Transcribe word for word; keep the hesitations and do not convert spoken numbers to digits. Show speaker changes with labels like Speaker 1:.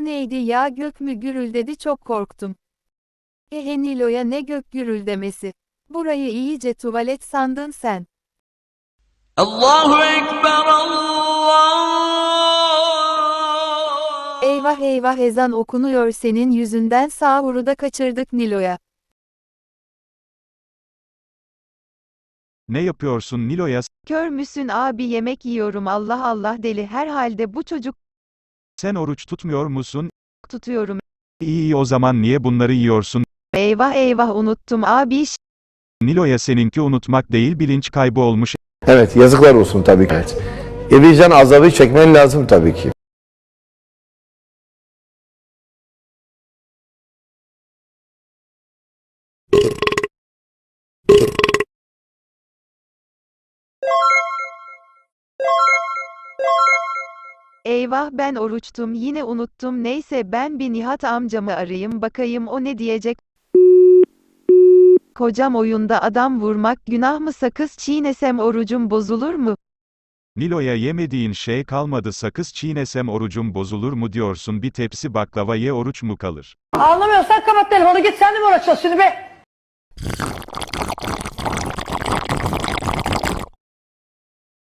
Speaker 1: O neydi ya, gök mü gürüldedi, çok korktum. Ehe Nilo'ya ne gök gürüldemesi. Burayı iyice tuvalet sandın sen.
Speaker 2: Allahu Ekber, Allah.
Speaker 1: Eyvah eyvah, ezan okunuyor, senin yüzünden sahuru da kaçırdık Nilo'ya.
Speaker 3: Ne yapıyorsun Nilo'ya?
Speaker 4: Kör müsün abi, yemek yiyorum, Allah Allah, deli herhalde bu çocuk.
Speaker 3: Sen oruç tutmuyor musun?
Speaker 4: Tutuyorum.
Speaker 3: İyi iyi, o zaman niye bunları yiyorsun?
Speaker 4: Eyvah eyvah, unuttum abi.
Speaker 3: Nilo'ya, seninki unutmak değil, bilinç kaybı olmuş.
Speaker 5: Evet, yazıklar olsun tabii ki. Evet. E vicdan azabı çekmen lazım tabii ki.
Speaker 4: Eyvah, ben oruçtum, yine unuttum, neyse ben bir Nihat amcamı arayayım bakayım o ne diyecek. Kocam, oyunda adam vurmak günah mı, sakız çiğnesem orucum bozulur mu?
Speaker 3: Nilo'ya, yemediğin şey kalmadı, sakız çiğnesem orucum bozulur mu diyorsun, bir tepsi baklava ye, oruç mu kalır?
Speaker 6: Anlamıyorsan kapat telefonu, git sen de mi uğraşıyorsun şimdi be?